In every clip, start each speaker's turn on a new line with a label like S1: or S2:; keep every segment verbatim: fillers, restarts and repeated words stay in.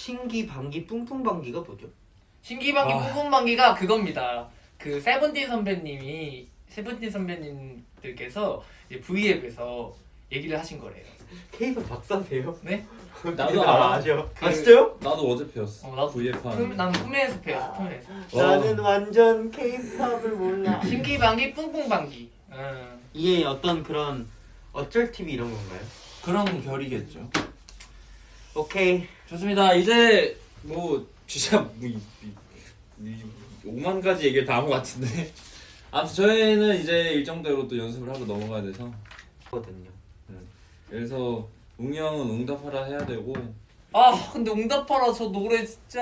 S1: 신기방기 뿡뿡방기가 뭐죠?
S2: 신기방기
S3: 아.
S2: 뿜뿜방기가 그겁니다. 그 세븐틴 선배님이 세븐틴 선배님들께서 이제 V앱에서 얘기를 하신 거래요.
S1: 케이팝 박사세요?
S2: 네?
S3: 나도 알아.
S1: 아죠.
S3: 그-
S1: 아 진짜요?
S3: 나도 어제 배웠어.
S2: 어, 나도
S3: 브이에프
S2: 품,
S3: 하는.
S2: 난 품에서 배웠어. 품에서.
S3: 어.
S1: 나는 완전 케이팝을 몰라.
S2: 신기방기 뿡뿡방기. 음.
S1: 이게 어떤 그런 어쩔 티비 이런 건가요?
S3: 그런 결이겠죠.
S1: 오케이.
S3: 좋습니다. 이제 뭐 진짜 뭐 이, 이, 이, 오만 가지 얘기를 다 한 것 같은데. 아무튼 저희는 이제 일정대로 또 연습을 하고 넘어가야 돼서.
S1: 거든요.
S3: 그래서 웅이 형은 응답하라 해야 되고.
S2: 아 근데 응답하라 저 노래 진짜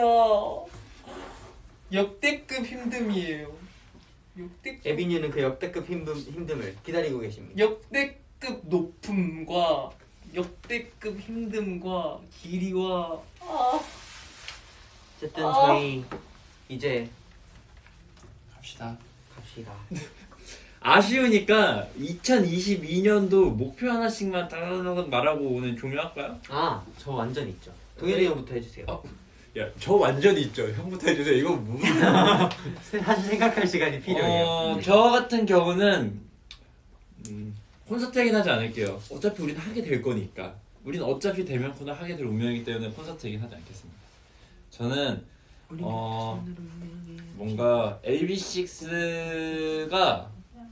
S2: 역대급 힘듦이에요. 역대급
S1: 에비뉴는 그 역대급 힘듦, 힘듦을 기다리고 계십니다.
S2: 역대급 높음과 역대급 힘듦과 길이와 아
S1: 어쨌든
S2: 아.
S1: 저희 이제
S3: 갑시다.
S1: 갑시다.
S3: 아쉬우니까 이천이십이 년도 목표 하나씩만 따다다닥 말하고 오늘 종료할까요?
S1: 아, 저 완전 있죠. 동현이 형부터 해주세요.
S3: 어? 야, 저 완전 있죠. 형부터 해주세요. 이거 무슨?
S1: 사실 생각할 시간이 필요해요.
S3: 어, 저 같은 경우는 음, 콘서트 얘기는 하지 않을게요. 어차피 우리는 하게 될 거니까. 우리는 어차피 대면 코너 하게 될 운명이기 때문에 콘서트 얘기는 하지 않겠습니다. 저는 어, 뭔가 에이비식스가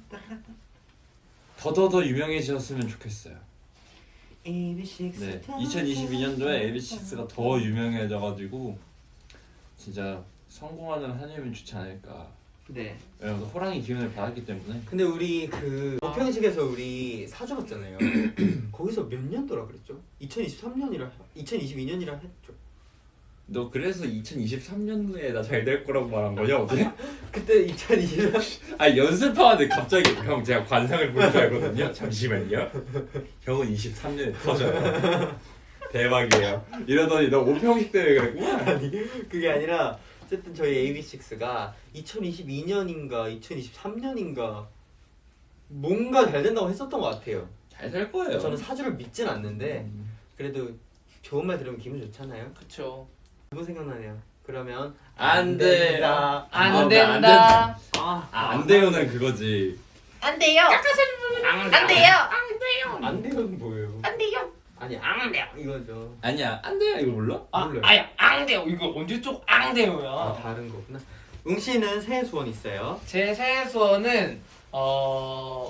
S3: 더더더 유명해졌으면 좋겠어요.
S1: 에이비식스
S3: 네, 이천이십이 년도에 에이비식스가 더 유명해져가지고 진짜 성공하는 한 해면 좋지 않을까.
S1: 네.
S3: 왜냐면 호랑이 기운을 받았기 때문에.
S1: 근데 우리 그 보평식에서 우리 사주 봤잖아요. 거기서 몇 년도라 그랬죠? 이천이십삼 년이라 이천이십이 년이라 했죠.
S3: 너 그래서 이천이십삼 년도에 나 잘 될 거라고 말한 거냐 어제?
S1: 그때 이천이십삼
S3: 아 연습하는데 갑자기 형 제가 관상을 보는 줄 알거든요. 잠시만요. 형은 이십삼 년에 터져요. 대박이에요. 이러더니 너 오평식 때문에 그랬구나.
S1: 아니 그게 아니라 어쨌든 저희 에이비식스가 이천이십이 년인가 이천이십삼 년인가 뭔가 잘 된다고 했었던 것 같아요.
S3: 잘 될 거예요.
S1: 저는 사주를 믿진 않는데
S3: 음.
S1: 그래도 좋은 말 들으면 기분 좋잖아요.
S2: 그쵸.
S1: 너무 생각나네요. 그러면
S3: 안 돼.
S1: 된다.
S2: 안
S3: 아,
S2: 된다.
S1: 아,
S3: 아, 안 돼요는 그거지.
S2: 안 돼요. 안 돼요. 안 돼요.
S1: 안 돼요는 뭐예요?
S2: 안 돼요.
S1: 아니 안 돼요 이거죠.
S3: 아니야 안 돼요 이거 몰라?
S2: 아,
S1: 몰라요.
S2: 아야 안 돼요. 이거 언제 쪽 안 돼요야.
S1: 아 다른 거구나. 웅 씨는 새해 소원 있어요?
S2: 제 새해 소원은 어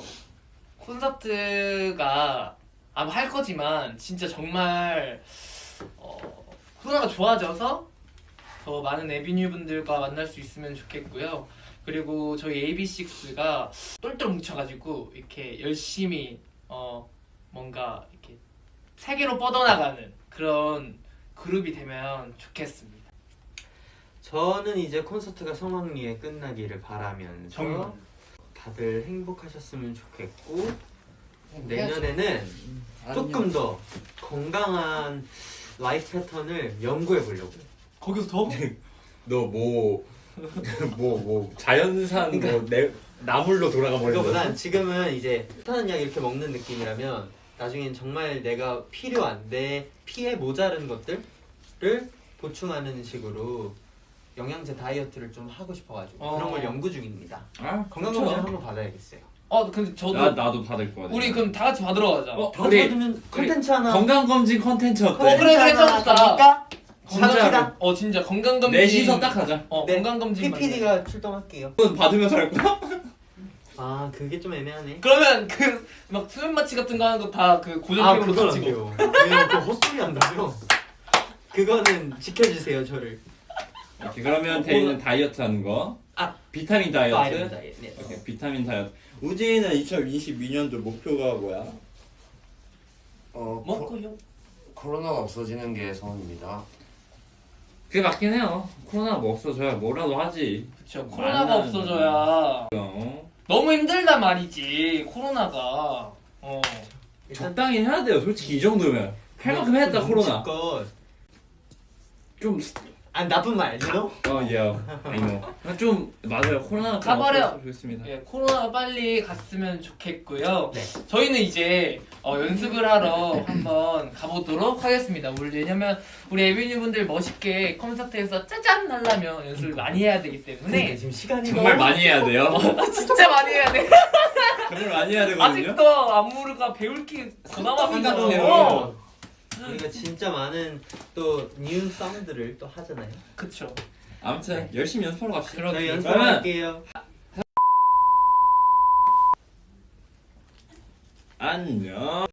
S2: 콘서트가 아마 할 거지만 진짜 정말 어 코로나가 좋아져서 더 많은 에비뉴 분들과 만날 수 있으면 좋겠고요. 그리고 저희 에이비식스가 똘똘 뭉쳐가지고 이렇게 열심히 어 뭔가 이렇게 세계로 뻗어나가는 그런 그룹이 되면 좋겠습니다.
S1: 저는 이제 콘서트가 성황리에 끝나기를 바라면서
S2: 정말.
S1: 다들 행복하셨으면 좋겠고
S2: 해야죠.
S1: 내년에는 조금 더 건강한 라이프 패턴을 연구해 보려고요.
S2: 거기서 더
S3: 너뭐뭐 뭐 뭐 자연산 뭐 내, 나물로 돌아가 버린다.
S1: 그거보단 지금은 이제 타는 약 이렇게 먹는 느낌이라면 나중엔 정말 내가 필요한 내 피에 모자른 것들을 보충하는 식으로 영양제 다이어트를 좀 하고 싶어가지고
S2: 어.
S1: 그런 걸 연구 중입니다.
S3: 아
S1: 건강검진 한번 받아야겠어요.
S2: 어 근데 저도
S3: 나 나도 받을 거야.
S2: 우리 그럼 다 같이 받으러 가자.
S3: 어,
S1: 다
S3: 우리-
S1: 받으면 컨텐츠 하나
S3: 건강 검진 컨텐츠 어때?
S2: 어, 그래, 그래, 좋다.
S1: 갑니까?
S2: 건강-
S1: 갑시다.
S2: 어 진짜 건강 검진.
S3: 넷이서 딱 하자.
S2: 어
S1: 네,
S2: 건강 검진.
S1: 피피디가 출동할게요.
S3: 그건 받으면서 할 거야?
S1: 아 그게 좀 애매하네.
S2: 그러면 그 막 수면 마취 같은 거 하는 거 다 그 고정
S1: 아
S2: 비용으로
S1: 그건
S2: 다
S1: 안
S2: 찍어.
S1: 돼요. 왜냐면 그 헛소리 한다며. 그거는 지켜주세요 저를.
S3: 오케이, 그러면 대리는 다이어트 하는 거.
S1: 아,
S3: 비타민
S1: 파이브
S3: 다이어트.
S1: 다이어트. 네.
S3: 오케이, 비타민 다이어트. 우진이는 이천이십이 년도 목표가 뭐야?
S4: 어,
S2: 먹고 형.
S4: 코, 코로나가 없어지는 게 소원입니다.
S3: 그게 맞긴 해요. 코로나가 뭐 없어져야 뭐라도 하지.
S2: 그쵸. 코로나가
S3: 많은-
S2: 없어져야
S3: 어.
S2: 너무 힘들단 말이지. 코로나가. 어.
S1: 일단
S3: 적당히 해야 돼요. 솔직히 이 정도면 할 만큼 했다 코로나.
S1: 것
S3: 좀
S1: 아 나쁜 말, you know?
S3: 어, 예. 이모. 좀 맞아요. 코로나가 좀
S2: 가버려.
S3: 없었으면 좋겠습니다.
S2: 예, 코로나가 빨리 갔으면 좋겠고요.
S1: 네.
S2: 저희는 이제 어, 연습을 하러 한번 가보도록 하겠습니다. 우리 왜냐면 우리 에비뉴 분들 멋있게 콘서트에서 짜잔 하려면 연습을 많이 해야 되기
S1: 그러니까
S2: 때문에
S1: 지금 시간이
S3: 정말
S1: 너무-
S3: 많이 해야 돼요.
S2: 진짜 많이 해야 돼.
S3: 정말 많이 해야 되거든요.
S2: 아직도 안무가 배울 게 더 남았어요.
S3: 같아요.
S1: 우리가 진짜 많은 또 뉴 썸들을 또 하잖아요.
S2: 그쵸.
S3: 아무튼 열심히 연습하러 갑시다.
S2: 그럼-
S1: 저희
S2: 그러면-
S1: 연습할게요.
S3: 안녕.